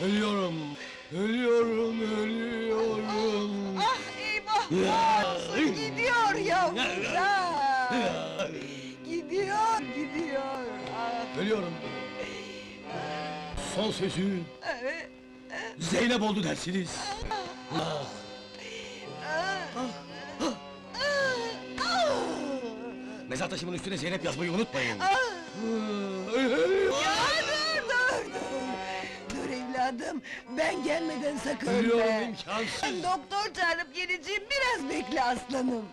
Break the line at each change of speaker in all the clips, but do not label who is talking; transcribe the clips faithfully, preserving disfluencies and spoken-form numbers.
Ölüyorum, ölüyorum, ölüyorum.
Ah eyvah! Olsun, gidiyor yavrular! Gidiyor, gidiyor! Ah,
Ölüyorum. Son sözü
evet,
Zeynep oldu dersiniz. Ah,
ah,
ah.
ah,
Mezar taşımın üstüne Zeynep yazmayı unutmayın.
ah.
Ölüyorum.
Ya dur, dur, dur! Dur evladım, ben gelmeden sakın
Ölüyorum,
ölme!
imkansız.
Ben doktor çağırıp geleceğim, biraz bekle aslanım!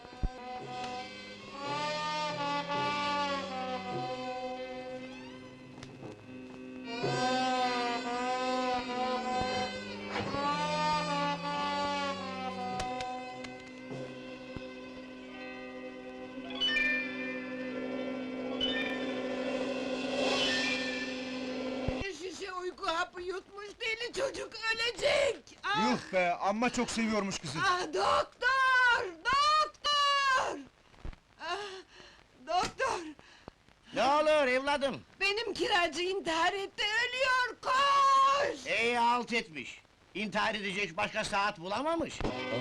Bir şişe uyku hapı yutmuş, deli çocuk ölecek! Ah!
Yuh be, amma çok seviyormuş kızı.
Ah doktor! Doktor! Ah, doktor!
Ne olur evladım?
Benim kiracı intihar etti, ölüyor, koş!
Ey halt etmiş. İntihar edecek başka saat bulamamış.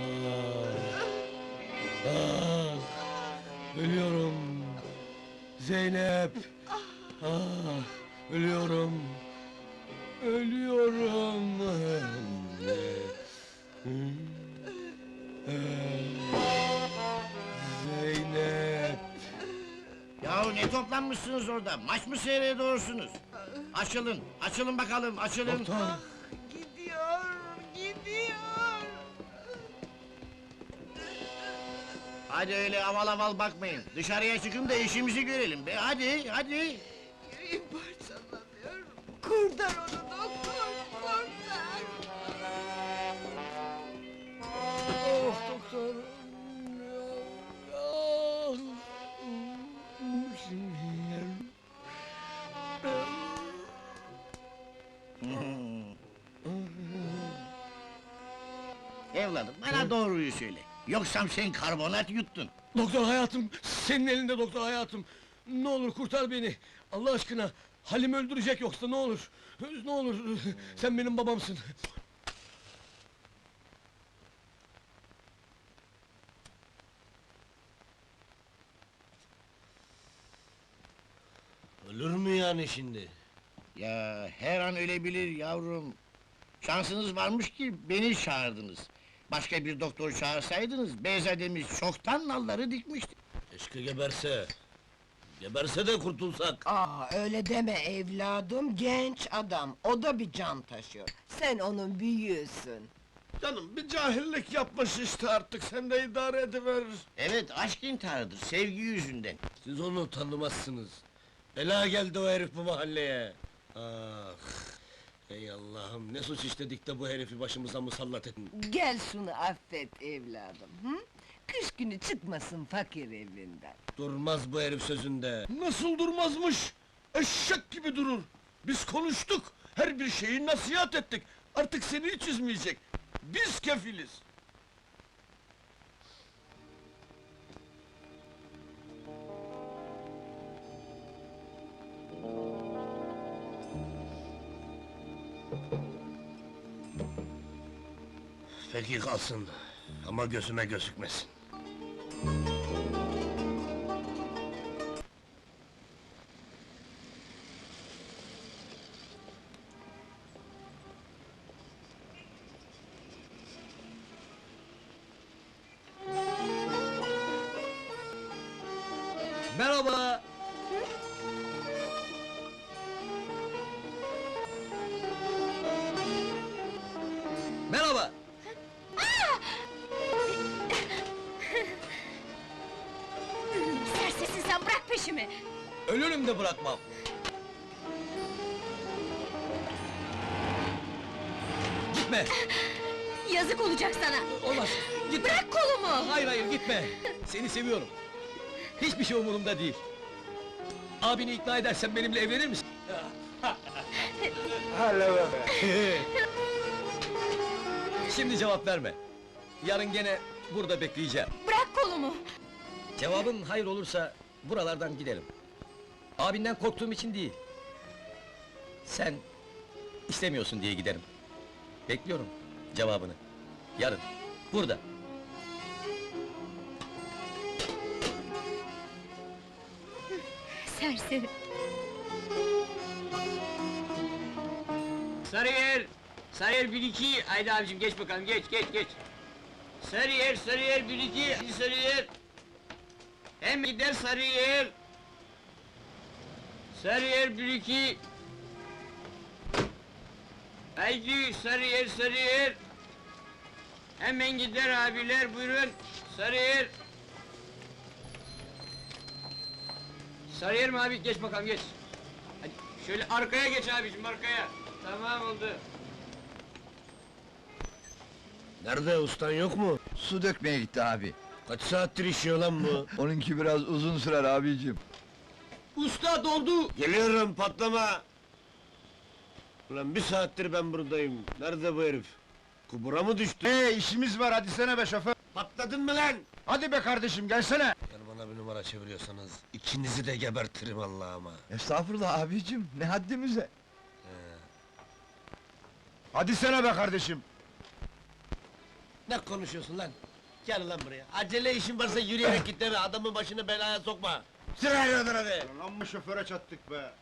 Ah, ölüyorum. Zeynep. Ah, ölüyorum. Ölüyorum. Zeynep.
Yahu ne toplanmışsınız orada? Maç mı seyrediyorsunuz? Açılın, açılın bakalım, açılın.
Doktor.
Gidiyor, gidiyor!
Hadi öyle aval aval bakmayın. Dışarıya çıkın da işimizi görelim be. Hadi, hadi.
Yüreğim parçalanıyor! Kurtar onu doktor, kurtar!
Oh doktor. Ah.
Evladım, bana doğruyu söyle. Yoksa sen karbonat yuttun.
Doktor hayatım, senin elinde doktor hayatım. Ne olur kurtar beni. Allah aşkına. Halim öldürecek yoksa ne olur. Ne olur. Sen benim babamsın.
Ölür mü yani şimdi?
Ya her an ölebilir yavrum. Şansınız varmış ki beni çağırdınız. Başka bir doktor çağırsaydınız, beyzademiz çoktan nalları dikmişti.
Keşke geberse. Geberse de kurtulsak.
Aa, öyle deme evladım, genç adam, o da bir can taşıyor. Sen onun büyüğüsün.
Canım bir cahillik yapmış işte artık, sen de idare ediver.
Evet, aşk intiharıdır, sevgi yüzünden.
Siz onu tanımazsınız. Bela geldi o herif bu mahalleye. Ah! Ey Allah'ım, ne suç işledik de bu herifi başımıza musallat ettin.
Gel şunu affet evladım, hı? Kış günü çıkmasın fakir evinden.
Durmaz bu herif sözünde.
Nasıl durmazmış? Eşek gibi durur! Biz konuştuk, her bir şeyi nasihat ettik. Artık seni hiç üzmeyecek. Biz kefiliz!
Peki kalsın, ama gözüme gözükmesin.
Merhaba. Merhaba.
Sersesin sen, bırak peşimi!
Ölürüm de bırakmam. Gitme.
Yazık olacak sana!
Olmaz. Gitme.
Bırak kolumu!
Hayır hayır gitme. Seni seviyorum. Hiçbir şey umurumda değil. Abini ikna edersen benimle evlenir misin? Şimdi cevap verme. Yarın gene burada bekleyeceğim.
Bırak kolumu!
Cevabın hayır olursa buralardan giderim. Abinden korktuğum için değil. Sen istemiyorsun diye giderim.
Bekliyorum cevabını. Yarın. Burada.
Serseri.
Sarıyer! Sarıyer bir iki! Haydi abicim geç bakalım, geç, geç, geç! Sarıyer, Sarıyer bir iki! Hadi Sarıyer! Hem gider Sarıyer! Sarıyer bir iki! Haydi Sarıyer, Sarıyer! Hemen gider abiler, buyurun! Sarıyer! Sarıyer mi abi? Geç bakalım, geç! Hadi şöyle arkaya geç abicim, arkaya! Tamam oldu.
Nerede, ustan yok mu?
Su dökmeye gitti abi.
Kaç saattir işiyor lan bu?
Onunki biraz uzun sürer abicim.
Usta doldu!
Geliyorum, patlama! Ulan bir saattir ben buradayım. Nerede bu herif? Kubura mı düştü?
Ee işimiz var, hadi sene be şoför.
Patladın mı lan?
Hadi be kardeşim, gelsene.
Eğer bana bir numara çeviriyorsanız, ikinizi de gebertirim Allah'ıma!
Estağfurullah abicim, ne haddimize. Hadi sene be kardeşim.
Ne konuşuyorsun lan? Gel lan buraya! Acele işin varsa yürüyerek git deme, adamın başını belaya sokma! Sırayla adına be!
Amma şoföre çattık be.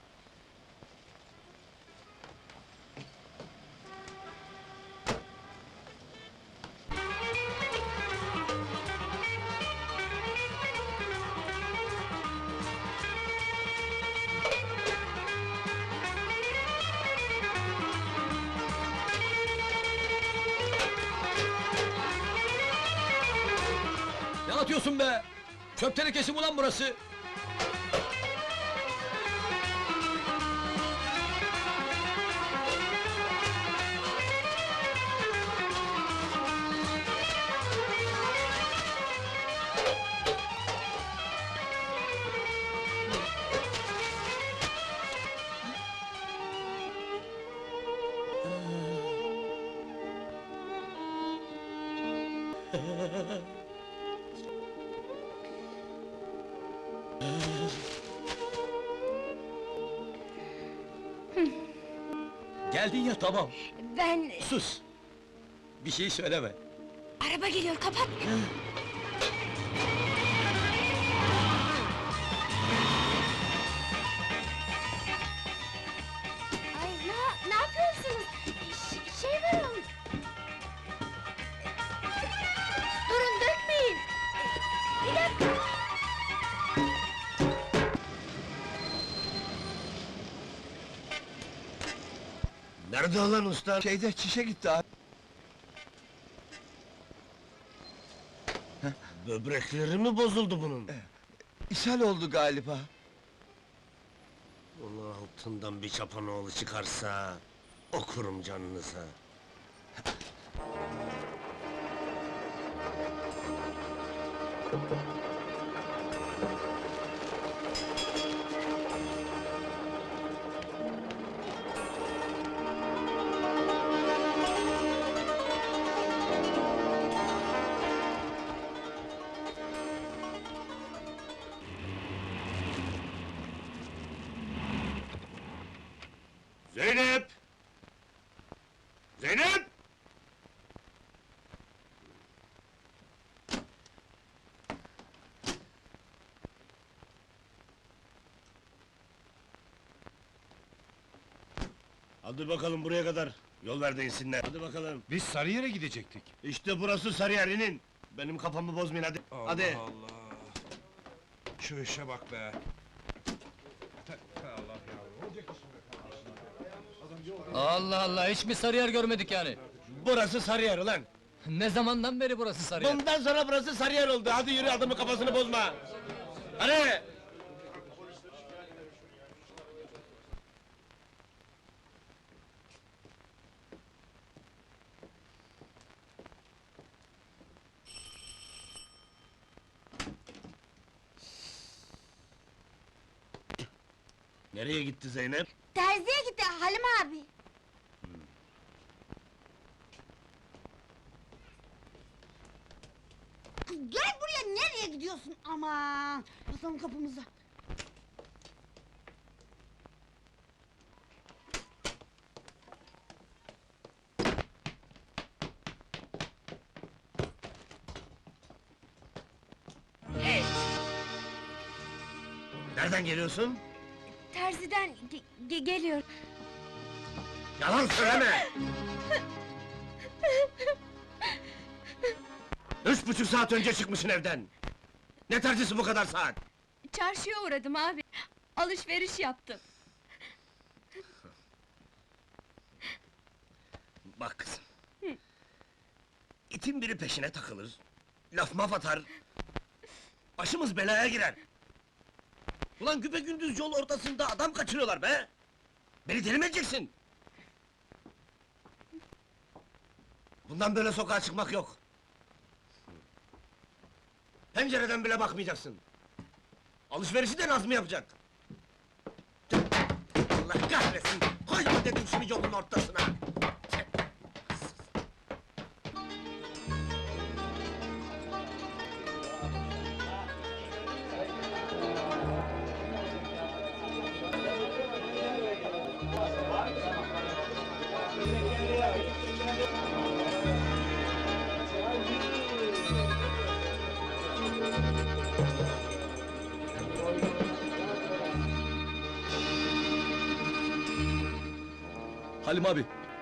Ne atıyorsun be? Çöp tenekesi mi ulan burası? Geldin ya, tamam.
Ben...
Sus! Bir şey söyleme.
Araba geliyor, kapat! Ay, ne, ne yapıyorsunuz? Ş- şey verin! Durun, dökmeyin! Bir dakika!
Nerede olan usta?
Şeyde çişe gitti abi.
Böbrekleri mi bozuldu bunun?
İshal oldu galiba.
Onun altından bir çapanoğlu çıkarsa... okurum canınıza! Zeynep! Zeynep! Hadi bakalım buraya kadar. Yol ver de insinler. Hadi bakalım.
Biz Sarıyer'e gidecektik.
İşte burası Sarıyer, inin! Benim kafamı bozmayın hadi. Hadi!
Allah! Şu işe bak be!
Allah Allah, hiç mi Sarıyer görmedik yani?
Burası Sarıyer ulan!
Ne zamandan beri burası Sarıyer?
Bundan sonra burası Sarıyer oldu. Hadi yürü, adamın kafasını bozma. Hadi! Nereye gitti Zeynep?
Terziye gitti Halim abi!
Gel buraya, nereye gidiyorsun? Aman! Basalım kapımıza!
Nereden geliyorsun?
Terziden ge- ge- geliyor.
Yalan söyleme! Üç buçuk saat önce çıkmışsın evden! Ne terzisi bu kadar saat?
Çarşıya uğradım abi. Alışveriş yaptım.
Bak kızım. İtin biri peşine takılır, laf maf atar... Başımız belaya girer! Ulan güpegündüz yol ortasında adam kaçırıyorlar be! Beni deli mi edeceksin? Bundan böyle sokağa çıkmak yok! Pencereden bile bakmayacaksın! Alışverişi de Nazmi yapacak! Allah kahretsin! Koyma dedim şunu yolun ortasına!
Halim abi.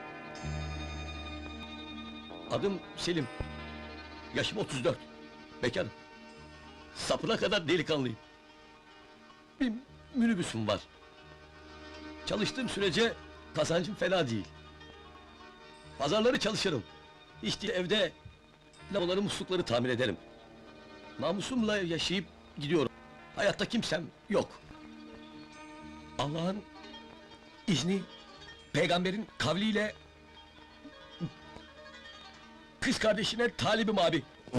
Adım Selim. Yaşım otuz dört. Bekarım. Sapına kadar delikanlıyım. Bir minibüsüm var. Çalıştığım sürece kazancım fena değil. Pazarları çalışırım. Hiç değil evde lavaları muslukları tamir ederim. Namusumla yaşayıp gidiyorum. Hayatta kimsem yok. Allah'ın izni, peygamberin kavliyle kız kardeşine talibim abi.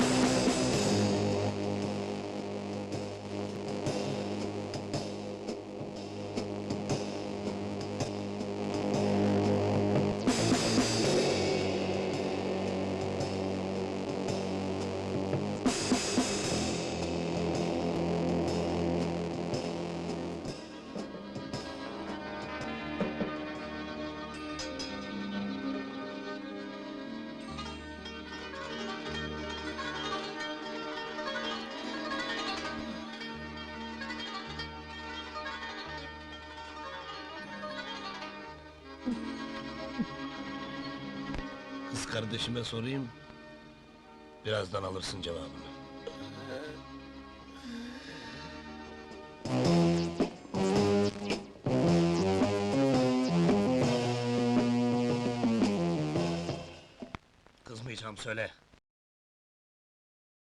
Kız kardeşime sorayım, birazdan alırsın cevabını. Kızmayacağım, söyle.